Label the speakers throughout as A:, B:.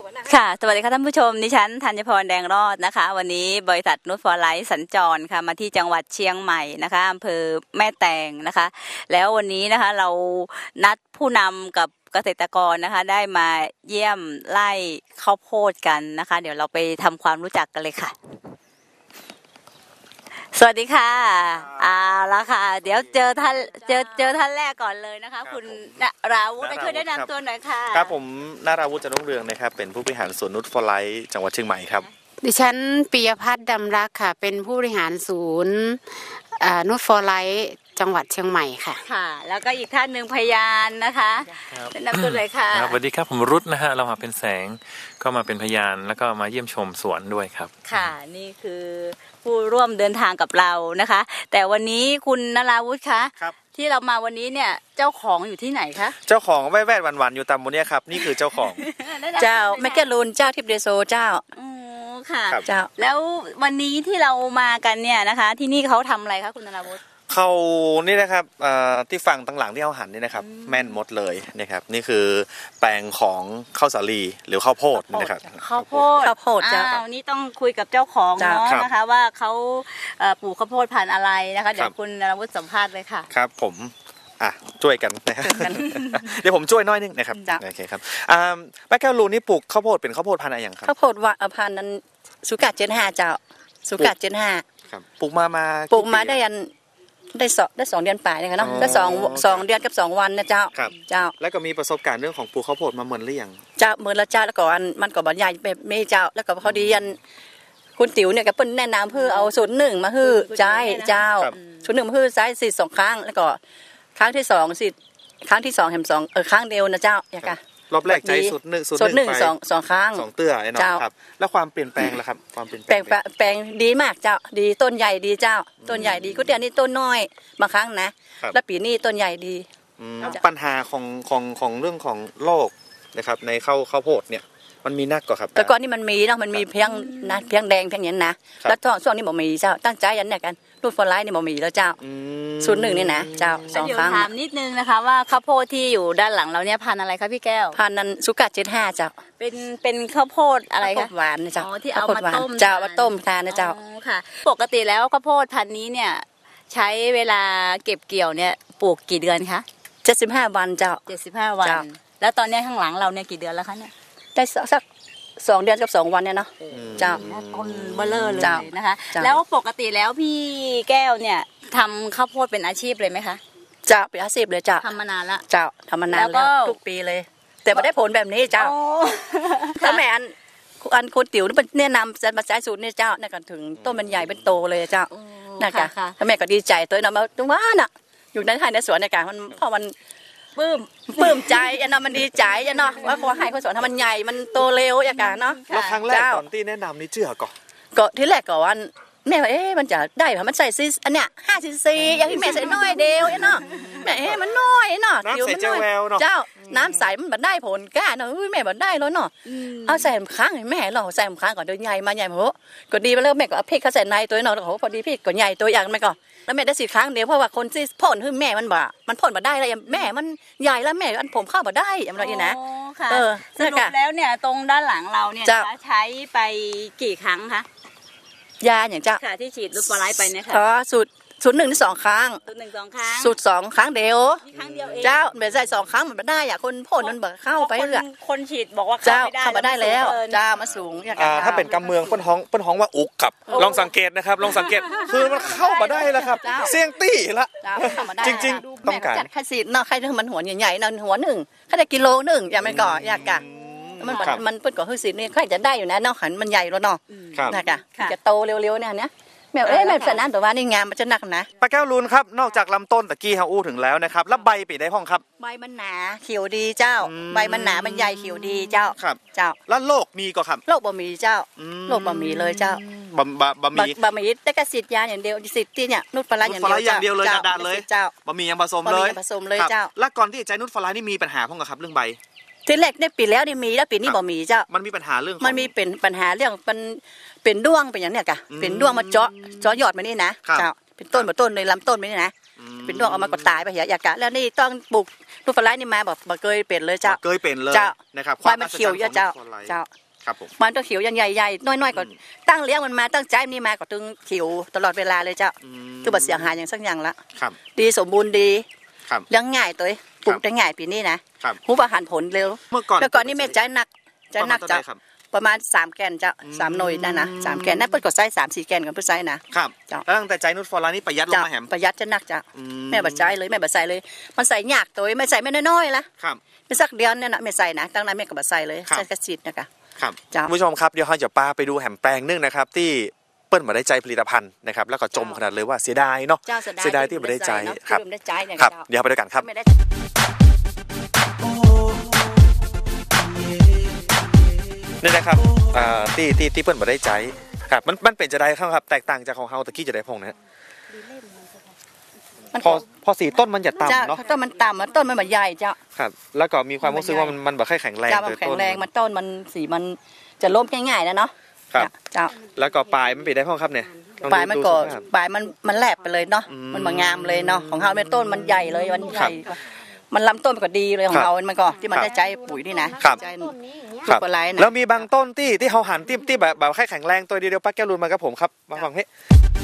A: ค่ะสวัสดีค่ะท่านผู้ชมดิฉันธัญพรแดงรอดนะคะวันนี้บริษัทนูตฟอร์ไลท์สัญจรค่ะมาที่จังหวัดเชียงใหม่นะคะอำเภอแม่แตงนะคะแล้ววันนี้นะคะเรานัดผู้นำกับเกษตรกรนะคะได้มาเยี่ยมไร่ข้าวโพดกันนะคะเดี๋ยวเราไปทำความรู้จักกันเลยค่ะสวัสดีค่ะแล้วค่ะเดี๋ยวเจอท่านแรกก่อนเลยนะคะคุณณราวุฒิช่วยแนะนำตัวหน่อยค่ะ
B: ครับผมณราวุฒิ จันทรุ่งเรืองนะครับเป็นผู้บริหารสวนนูตฟอร์ไลท์จังหวัดเชียงใหม่ครับ
C: ดิฉันปิยพัฒน์ดำรักค่ะเป็นผู้บริหารศูนย์นูตฟอร์ไลท์จังหวัดเชียงใหม่ค่ะ
A: ค่ะแล้วก็อีกท่านหนึ่งพยานนะคะแนะนำตัวเลยค่ะ
D: สวัสดีครับผมรุตนะฮะเรามาเป็นแสงก็มาเป็นพยานแล้วก็มาเยี่ยมชมสวนด้วยครับ
A: ค่ะนี่คือผู้ร่วมเดินทางกับเรานะคะแต่วันนี้คุณณราวุฒิคะที่เรามาวันนี้เนี่ยเจ้าของอยู่ที่ไหนคะ
B: เจ้าของแว่ๆหวานๆอยู่ตามบนนี้ครับนี่คือเจ้าของ
E: เจ้าแมกเกลูนเจ้าทิพเดโซเจ้า
A: ค่ะเจ้าแล้ววันนี้ที่เรามากันเนี่ยนะคะที่นี่เขาทำอะไรคะคุณณราวุฒิ
B: เขานี่นะครับที่ฝั่งตั้งหลังที่เขาหันนี่นะครับแม่นหมดเลยนะครับนี่คือแปลงของข้าวสาลีหรือข้าวโพดนะครับ
A: ข้าวโพดเจ้านี่ต้องคุยกับเจ้าของเนาะนะคะว่าเขาปลูกข้าวโพดพันธุ์อะไรนะคะเดี๋ยวคุณณราวุฒิสัมภาษณ์เลยค่ะ
B: ครับผมช่วยกันนะครับเดี๋ยวผมช่วยน้อยนึงนะครับโอเคครับป้าแก้วรูนี่ปลูกข้าวโพดเป็นข้าวโพดพันธุ์อะไรอย่างครับ
E: ข้าวโพดว่าพันธุ์นั้นสุกัด75เจ้าสุกัด75
B: ครับปลูกมา
E: ได้2เดือนป่ายนะคะเนาะได้2เดือนกับ2วันนะเจ้า
B: เจ้าแล้วก็มีประสบการณ์เรื่องของปลูกข้าวโพดมาเหมือนหรือยัง
E: เจ้าเหมือนละเจ้าแล้วก็มันก็บรรยายแบบไม่เจ้าแล้วก็พอดีคุณติ๋วเนี่ยก็เปิ้ลแนะนำเพื่อเอา01มาฮื้อใจเจ้า01มาฮื้อใจสิ2ครั้งแล้วก็ครั้งที่2สิครั้งที่2แถม2ครั้งเดียวนะเจ้าอย่าค่ะ
B: รอบแรกใจสุด1
E: 2ครั้ง
B: 2เตื้อไอ้น้องครับแล้วความเปลี่ยนแปลงล่ะครับความเปลี่ยน
E: แปลงดีมากเจ้าดีต้นใหญ่ดีเจ้าต้นใหญ่ดีก็เดี๋ยวนี้ต้นน้อยบางครั้งนะแล้วปีนี้ต้นใหญ่ดี
B: ปัญหาของเรื่องของโรคนะครับในข้าวโพดเนี่ยมันมีนักกว่าครับ
E: แต่ก่อนนี่มันมีเนาะมันมีเพียงแดงเพียงอย่างนั้นนะแล้วช่วงนี้บ่มีเจ้าตั้งใจยันเนี่ยกันนูตฟอร์ไลท์นี่บ่มีแล้วเจ้า01นี่นะเจ้า2ครั้ง
A: ถามนิดนึงนะคะว่าข้าวโพดที่อยู่ด้านหลังเราเนี่ยพันธุ์อะไรคะพี่แก้ว
E: พันธุ์นั้นสุกัด75เจ้า
A: เป็นข้าวโพดอะไรคะ
E: หวานนะเจ้า
A: ที่เอามาต้ม
E: เจ้ามาต้มทานนะเจ้า
A: ค่ะปกติแล้วข้าวโพดพันธุ์นี้เนี่ยใช้เวลาเก็บเกี่ยวเนี่ยปลูกกี่เดือนคะ
E: 75วันเจ้า
A: 75วันแล้วตอนนี้ข้างหลังเราเนี่ยกี่เดือนแล้วคะเนี่ย
E: ได้สัก2เดือนกับ2วันเนี่ยเนาะเจ้า
A: คนเบลอเลยนะคะแล้วปกติแล้วพี่แก้วเนี่ยทำข้าวโพดเป็นอาชีพเลยไหมคะ
E: เจ้าเป็นอาชีพเลยเจ้า
A: ทำมานานละ
E: เจ้าทำมานานแล้วทุกปีเลยแต่ไม่ได้ผลแบบนี้เจ้าถ้าแม่อันคนติ๋วนี่เป็นแนะนำจะมาใช้สูตรนี่เจ้านี่กันถึงต้นมันใหญ่เป็นโตเลยเจ้านะคะถ้าแม่ก็ดีใจตัวน้องมาตรงว่าน่ะอยู่ในไร่ในสวนในการมันพอมันปลื้มใจยันเนาะมันดีใจยันเนาะว่าขอให้คนสอนทำมันใหญ่มันโตเร็วอย่างกันเนาะ
B: แล้วครั้งแรกตอนที่แนะนำนี่เชื่อก่อน
E: ก็ที่แรกก่อนแม่ว่ามันจะได้เพราะมันใส่ซีอันเนี้ย5 cc อย่างที่แม่ใส่น้อยเดียวเนาะแม่มันน้อยเนาะ
B: น้ำใส่เจ้าแววเนาะ
E: เจ้าน้ำใสมันได้ผลกล้าเนาะแม่บ่ได้แล้วเนาะเอาใส่ครั้งให้แม่เราใส่ครั้งก่อนเดี๋ยวใหญ่มาใหญ่โหก็ดีไปแล้วแม่ก็เอาพริกเขาใส่ในตัวเนาะโหพอดีพริกก็ใหญ่ตัวอย่างแม่ก็แล้วแม่ได้10 ครั้งเดียวเพราะว่าคนที่พ่นคือแม่มันพ่นมาได้แล้วแม่มันใหญ่แล้วแม่อันผมเข้ามาได้อย่างไรนะ
A: สรุปแล้วเนี่ยตรงด้านหลังเราเนี่ยใช้ไปกี่ครั้งคะ
E: ยาอย่างเจ้า
A: ที่ฉีดนูตฟอร์ไลท์ไปเนี่ยค่ะ
E: สูตร1 ถึง 2 ครั้งสูตร2 ครั้งเดียวเจ้าแบบใส่2 ครั้งมันไม่ได้อ่ะคนพ่นมันเข้าไปเรื่อย
A: คนฉีดบอกว่า
E: เข้ามาได้แล้วเจ้ามาสูงอย่าง
B: ถ้าเป็นกำเมืองป้นห้องว่าอุกครับลองสังเกตนะครับลองสังเกตคือมันเข้ามาได้แล้วครับเสียงตี้ละจริงๆต้องการ
E: ใครฉีดเนาะใครมันหัวใหญ่ๆเนาะหัว1แค่ได้กิโล1อย่างมันก่ออยากกะมันเปิ้ลก่อคือสินี่ใครจะได้อยู่นะเนาะหันมันใหญ่แล้วเนาะนะคะจะโตเร็วๆเนี่ยนะแม่แม่สนามแต่ว่านี่งามมันจะหนักนะ
B: ป้าแก้วรูนครับนอกจากลำต้นตะกี้เฮาอู้ถึงแล้วนะครับแล้วใบปีได้ห้องครับ
E: ใบมันหนาเขียวดีเจ้าใบมันหนามันใหญ่เขียวดีเจ้า
B: ครับ
E: เจ้า
B: แล้วโรคมีก็ครับ
E: โรคบะหมี่เจ้าโรคบะหมี่เลยเจ้า
B: บะห
E: มี่แต่ก็ฉีดยาอย่างเดียวฉีดที่เนี่ยนูตฟอร์ไลท์อย่าง
B: เดียวเลยกระดาษเลย
E: เจ้า
B: บะหมี่ยังผสมเลย
E: เจ้า
B: แล้วก่อนที่จะใช้นูตฟอร์ไลท์นี่มีปัญหาพ้องกับครับเรื่องใบ
E: ทีแรกเนี่ยปีแล้วนี่มีแล้วปีนี้บ่มีเจ้า
B: มันมีปัญหาเรื่อง
E: มันมีเป็นปัญหาเรื่องเป็นด้วงเป็นอย่างเนี้ยกะเป็นด้วงมาเจาะยอดมานี่นะเจ้าเป็นต้นเลยลำต้นมานี่นะเป็นดวงออกมาก็ตายไปเหียอยากกะแล้วนี่ต้องปลูกนูตฟลายนี่มาแบบบ่เคยเป็นเลยเจ้า
B: เคยเป็นเลย
E: เจ้า
B: นะครับ
E: ควายมันเขียวเยอะเจ้า
B: ความอัศจรรย์ของ
E: เจ้า
B: ครับผม
E: มันต้องเขียวยันใหญ่ๆน้อยๆก็ตั้งเลี้ยงมันมาตั้งใจนี่มาก็ตึงเขียวตลอดเวลาเลยเจ้าคือบ่เสียหายอย่างสักอย่างละ
B: ครับ
E: ดีสมบูรณ์ดี
B: ครับ
E: เลี้ยงง่ายตัวปลูกได้ง่ายปีนี้นะครับ หูประหันผลเร็ว
B: เมื่อก่อน
E: แล้วก่อนนี่แม่ใจหนักใจหนัก
B: ประมาณ
E: เจ้า
B: เท่าไหร่ครับ
E: ประมาณ3 แกนเจ้า3 หน่วยนั่นนะ3 แกนนั่นเปิ้ลก็ใส่3-4 แกนกันเปิ้ลใส่นะครับ เจ้า
B: แล้วตั้งแต่ใจนุชฟอร์ไลน์นี่ประหยัดลง
E: เจ้า
B: มาแหม
E: ประหยัดจะหนักจ้ะ
B: อื
E: แม่บ่ใจเลยแม่บ่ใส่เลย มันใส่ยากตัวไม่ใส่ไม่น้อยๆละ
B: ครับ
E: ไม่สักเดือนเนี่ยนะแม่ใส่นะตั้งนั้นแม่ก็บ่ใส่เลย
B: ครับ
E: ใส่กระสิทธิ์นะคะ
B: ครับ
E: จ้ะ
B: คุณผู้ชมครับเดี๋ยวเราจะปาไปดูแหมแปลงนึงนะครับที่เปิ้ลมาได้ใจผลิตภัณฑ์นะครับแล้วก็จมขนาดเลยว่าเสียดายเนาะ
E: เจ้า
B: เสียดายที่ไม่ได้ใจ
E: เนาะ
B: ครับ
E: ที่ไม่ได้ใจเนี่ย
B: ครับ
E: เจ้า
B: เดี๋ยวเราไปดูกันครับ
E: ไม่ได้
B: นี่นะครับที่เปิ้ลมาได้ใจครับมันเป็นจะได้ครับแตกต่างจากของเฮาตะกี้จะได้พงนะฮะ
E: มัน
B: พอสีต้นมันจะ
E: เจ้า
B: ต่ำเนาะ
E: ต้นมันต่ำมันต้นมันแบบใหญ่เจ้า
B: ครับแล้วก็มีความรู้สึกว่ามันแบบแค่แข็งแรง
E: เจ้ามัน
B: โดย
E: แข็
B: ต้
E: ง
B: น
E: แรงมันต้นมันสีมันจะล้มง่ายๆนะเนาะ
B: ครับ
E: เจ้า
B: แล้วก็ปลายมันเป็นได้พ่อครับเนี่ยลอง
E: ปลายมัน
B: ดู
E: ก็
B: สภาพ
E: ปลายมันแหลบไปเลยเนาะ
B: อืม
E: มันมางามเลยเนาะของเฮาเป็นต้นมันใหญ่เลยมันใหญ่
B: ครับ
E: มันลำต้นมันก็ดีเลยขอ
B: ครั
E: ง
B: บ
E: เรามันก็ที่มัน
B: ครับ
E: ได้ใจปุ๋ยนี่นะครับ ใจ
C: ต้นนี้อย่างเงี้ย
B: ครับ
E: ลูกปลาไหลนะ
B: แล้วมีบางต้นที่เฮาหันที่แบบแค่แข็งแรงตัวเดียวป้าแก้วรุนมากับผมครับมาฟังเฮ้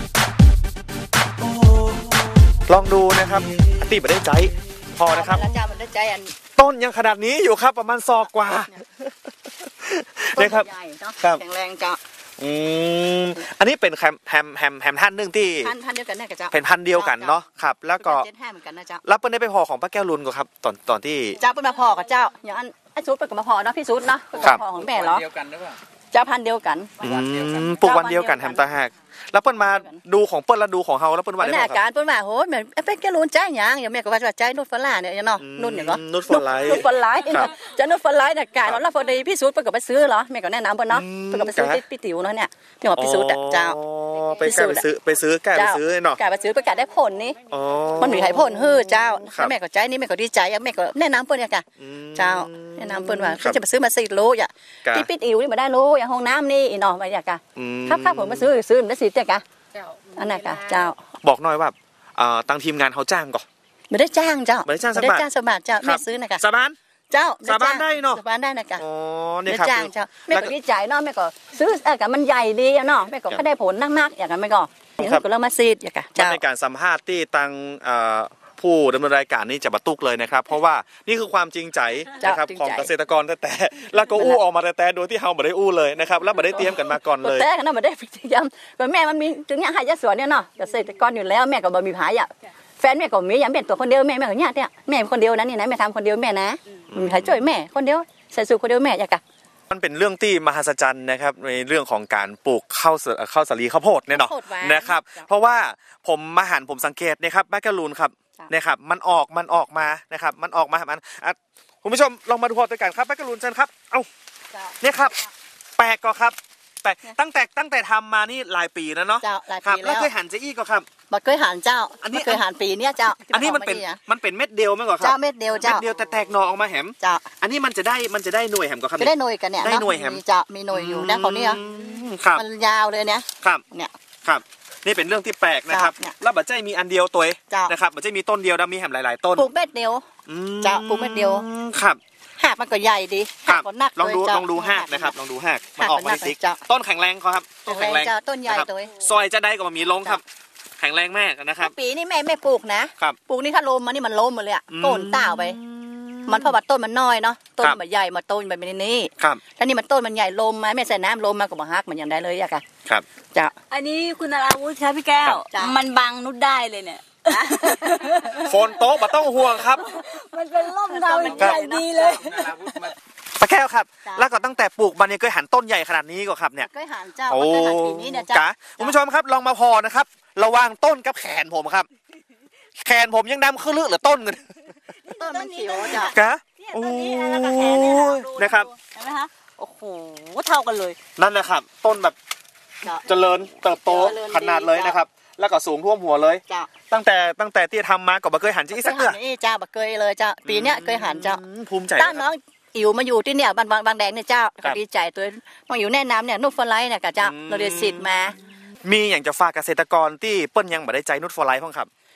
B: ลองดูนะครับตีไม่ได้ใจพอนะครับ
E: แล้วเจ้ามันได้ใจอัน
B: ต้นยังขนาดนี้อยู่ครับประมาณศอกกว่า
E: ต้น
B: นะครับ
E: ใหญ่เนาะ
B: ครับ
E: แข็งแรงเจ้า
B: อันนี้เป็นแฮมท่านหนึ่งที่
E: พันเดียวกันเนี่ยกับเจ้า
B: เป็นพันธุ์เดียวกันเนาะครับ แล้วก็
E: 75เหมือนกันนะเจ้า
B: รับเปิ้ลได้ไปพอของป้าแก้วรุนก็ครับตอนที่
E: เจ้าเป็นมาพอกับเจ้าอย่างอันไอ้ซูดเป็นกับมาพอเนาะพี่ซูดเนาะเป็น
B: ครับ
E: มาพอของแม่เหรอ
D: เดียวกันหรือเปล่า
E: เจ้าพันธุ์เดียวกัน
B: ปลูกวันเดียวกันแฮมตาหักแล้วเปิ้ลมาดูของเปิ้ลแล้วดูของเฮาแล้วเปิ้ลว่า
E: วัน
B: ได้
E: นี้
B: บ่
E: อา
B: ครับ
E: การเปิ้นว่าโหแม่เป็นแกรู้ใจหยังอย่างแม่ก็ว่าใจนุ่นฝรั่งเนี่ยเนาะนุ่นอย่างเนาะ
B: นุชฟอร์ไลท์
E: นุ่นฝรั่ง
B: ครับ
E: จะนุ่นฝรั่งน่ะกายแล้วพอดีพี่ซูดเปิ้นก็ไปซื้อเหรอแม่ก็แนะนำเปิ้นเนาะเปิ้นก็ไปซื้อที่พี่ติ๋วเนาะเนี่ยพี่หมอพี่ซูดอะเจ้า
B: อ๋อไปซื้อเนาะ
E: กายไปซื้อไปกายได้ผลนี่
B: อ๋อ
E: มันมีให้ผลฮื้อเจ้า
B: ครับ
E: แม่ก็ใจนี่แม่ก็ดีใจแม่ก็แนะนำเปิ้นเนี่ยค่ะ
B: อืม
E: เจ้าแนะนำเปิ้นว่า
B: ครับ
E: เขาจะไปซื้อมา4 โลอ่ะ
B: กะ
E: ที่พี่ติ๋วนี่มาได้โลอย่างห้องน้ำนี่อีเนาะมาอยากกะ
B: อืม
E: ครับผมมาซื้อมาได้10จ้ะกะอันนั้นกะเจ้า
B: บอกหน่อยว่าทางทีมงานเขาจ้างก่อน
E: ไม่ได้จ้างเจ้า
B: ไม่ได้จ้างสัก
E: ไม่
B: บาท
E: ได้จ้างสักบาทเจ้าแม่ซื้อนะกะ
B: สาบาน
E: เจ้า
B: สาบานได้เนาะ
E: สาบานได้นะกะ
B: อ๋อ
E: ไม่
B: นี่
E: ได้
B: ครับ
E: จ้างเจ้าแม่
B: แล้ว
E: ก็
B: ก็
E: ดีใจเนาะแม่ก็ซื้อกะมันใหญ่ดีอะเนาะแม่ก็
B: ครับ
E: ได้ผลนักๆอย่างนั้นแม่ก็อย่างนั้นก็เริ่มมาซีดอย่างกะ
B: มัน
E: เจ้า
B: ในการสัมภาษณ์ที่ตังผู้ดำเนินรายการนี่จะบัตุกเลยนะครับ เพราะว่านี่คือความจริงใจนะครับของเกษตรกรแต่แล้วก็อู้ออกมาแต่โดยที่เฮาไม่ได้อู้เลยนะครับแล้วไม่ได้เตรียมกันมาก่อนเลย
E: แต่กันนะมาได้พฤติกรรมก็แม่มันมีถึงอย่างหายาสวนเนี่ยเนาะเกษตรกรอยู่แล้วแม่ก็บ่มีผายอ่ะแฟนแม่ก็มีอย่างเป็นตัวคนเดียวแม่ก็เนี่ยแม่คนเดียวนะนี่นะแม่ทำคนเดียวแม่นะมีใครช่วยแม่คนเดียวใส่สูตรคนเดียวแม่อยากกะ
B: มันเป็นเรื่องที่มหัศจรรย์นะครับในเรื่องของการปลูกข้าวสาลีข้าวโพดเนี่ยเนาะ
E: ข้าวโพดหวาน
B: นะครับ เพราะว่าผมมาหันผมสังเกตนะครับแบกกาลูนครับ
E: จ้ะ
B: นะครับมันออกมานะครับมันออกมาคุณผู้ชมลองมาดูพอด้วยกันครับแบกกาลูนเชิญครับเอ้าเนี่ยครับแปลกก็ครับแปลกตั้งแต่ทำมานี่หลายปีแล้วเนาะ
E: เจ้าหลาย
B: ครับ
E: ปี
B: แล้
E: แล้ว ว
B: เคยหันเจอี้ก็ครับ
E: บ่เคยหันเจ้า
B: อันนี้
E: บ่เคยหันปีเนี้ยเจ้า
B: อันนี้มันเป็น
E: ที่ออกา
B: มันเป็นเม็ดเดียวไหมก่อนครั
E: เจ้าเม็ดเดียว
B: เม็ด
E: เจ้า
B: เดียวแต่แตกหน่อออกมาแหม
E: เจ้า
B: อันนี้มันจะได้หน่วยแหมก็ครับ
E: จะได้หน่วยกันเนี่ย
B: ได้
E: เนาะ
B: หน่วยแฮม
E: มีเจ้ามีหน่วยอยู่นะเขาเนี่ย
B: ครับ
E: มันยาวเลยเนี่ย
B: ครับ
E: เนี่ย
B: ครับนี่เป็นเรื่องที่แปลกนะครับ
E: เนี่ย
B: แล้วบัจใจมีอันเดียวตัว
E: เจ้าน
B: นะครับบัจใจมีต้นเดียวแล้วมีแหมหลายๆต้น
E: ปลูกเม็ดเดียว
B: อืม
E: เจ้าปลูกเม็ดเดียว
B: ครับ
E: หากมันก็ใหญ่ดี
B: ครั
E: หาก
B: บ
E: ก็หนัก
B: ลองดู
E: เยเจ้
B: ลองดูหากนะครับลองดูหากมัน
E: หาก
B: ออกมา
E: มันหนั
B: ใน
E: ก
B: ซิก
E: เจ้า
B: ต้นแข็งแรงเขาครับต้นแข็งแรง
E: เจ้าต้นใหญ่
B: นะครับ
E: ตัว
B: ซอยจะได้ก็มีลงครับ แข็งแรงมากนะครับ
E: ปีนี้แม่ไม่ปลูกนะครับ ปลูกนี่ถ้าลมมันนี่มันล้มหมดเลยอะ
B: อืม
E: โกนต้าวไป มันเพราะว่าต้นมันน้อยเนาะต้น
B: ครับ
E: มันใหญ่มาต้นมันเป็นนี่
B: ครับ
E: ถ้านี่มันต้นมันใหญ่ลมมาแม่ใส่น้ำลมมาก็บ่ฮักมันอย่างได้เลยอะค่ะ
B: ครับ
E: เจ้า
A: อันนี้คุณนาราวุธครับพี่แก้ว
E: จ้ะ
A: มันบังนุชได้เลยเนี่ย
B: โฟนโต๊ะมาต้องห่วงครับ
A: มันเป็นร่มเงาใหญ่ดีเลย
B: ปลาแก้วครับ
E: จ้ะ
B: แล้วก็ตั้งแต่ปลูกมันเนี่ยเคยหันต้นใหญ่ขนาดนี้ก็ครับเนี่ย
E: ก็หันเจ้า
B: โอ้
E: ก็หันปีนี้เนี่ยเจ้า
B: จ๋าคุณผู้ชมครับลองมาพอนะครับ ระหว่างต้นกับแขนผมครับ แขนผมยังดำขึ้นลึกหรือต้นกัน
E: ต้นมันเขียวเจ้า
B: กะ
A: เนี่ย
B: โอ้
A: ต้นนี้แล้วก็แขนเนี่ยดู
B: นะครับ
A: เห็นไหมคะโอ้โหเท่ากันเลย
B: นั่นแหละครับ ต้นแบบ
E: เจ้า
B: เจริญเติบโต
E: เจริญดี
B: ขนาดเลยนะครับ แล้วก็สูงท่วมหัวเลย
E: เจ้า
B: ตั้งแต่ที่ทำมาก็บ่เคยหันจีสักเดือ
E: นี่เจ้าบักเกยเลยเจ้าปีเนี้ยเคยหันเจ้า
B: ภูมิใจ
E: ตั้งน้องอิ๋วมาอยู่ที่เนี่ยบางแดงเนี่ยเจ้า
B: ครั
E: ก็
B: บ
E: ดีใจตัวมาอยู่แนะนำเนี่ยนุ่มฟลายเนี่ยกับเจ้า
B: อืม
E: เราเรียนสิทธิ์มา
B: มีอย่างจะฝากเกษตรกรที่เปิ้นยังบ่ได้ใจนุชฟอร์ไลท์พ้องครับ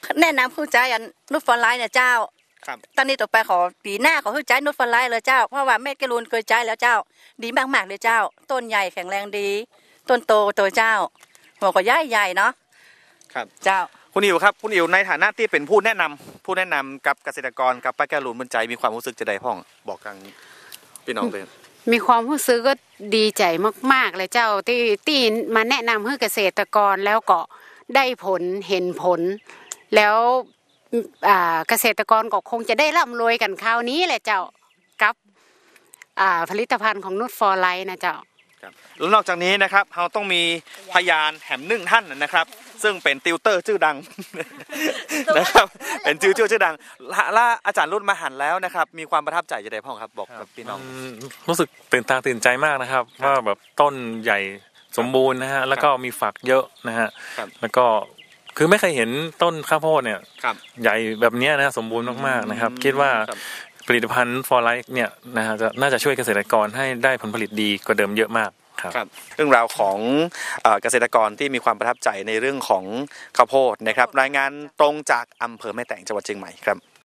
E: แนะนำผู้ใจอันนุชฟอร์ไลท์เนี่ยเจ้า
B: ครับ
E: ตอนนี้ต่อไปขอปีหน้าขอผู้ใจนุชฟอร์ไลท์เลยเจ้าเพราะว่าแม่กรูนเคยใจแล้วเจ้าดีมากๆเลยเจ้าต้นใหญ่แข็งแรงดีต้นโตตัวเจ้าหัวก็ใหญ่เนาะ
B: ครับ
E: เจ้า
B: คุณอิ๋วครับคุณอิ๋วในฐานะที่เป็นผู้แนะนำกับเกษตรกรกับป้าแก้วลูนบรรใจมีความรู้สึกจะได้พ่องบอกทางพี่น้องเลย
C: มีความรู้สึกก็ดีใจมากๆเลยเจ้าที่มาแนะนำให้เกษตรกรแล้วก็ได้ผลเห็นผล แล้วเกษตรกรก็คงจะได้ร่ำรวยกันคราวนี้แหละเจ้ากับผลิตภัณฑ์ของนุชฟอร์ไลท์นะเจ้า
B: แล้วนอกจากนี้นะครับเราต้องมีพยานแหมหนึ่งท่านนะครับ ซึ่งเป็นติวเตอร์ชื่อดัง นะครับเป็นติวเตอร์ชื่อดังและอาจารย์รุ่นมาหันแล้วนะครับมีความประทับใจจะได้พ่องครับบอกกับพี่น้อง
D: รู้สึกตื่นตาตื่นใจมากนะครับว่าแบบต้นใหญ่สมบูรณ์นะฮะแล้วก็มีฝักเยอะนะฮะ
B: ครับ
D: แล้วก็คือไม่เคยเห็นต้นข้าวโพดเนี่ย
B: ครับ
D: ใหญ่แบบเนี้ยนะสมบูรณ์มากๆนะครับคิดว่า
B: ครับ
D: ผลิตภัณฑ์ฟอร์ไลท์เนี่ยนะฮะน่าจะช่วยเกษตรกรให้ได้ผลผลิตดีกว่าเดิมเยอะมากครับ
B: ครับเรื่องราวของเกษตรกรที่มีความประทับใจในเรื่องของข้าวโพดนะครับรายงานตรงจากอำเภอแม่แตงจังหวัดเชียงใหม่ครับ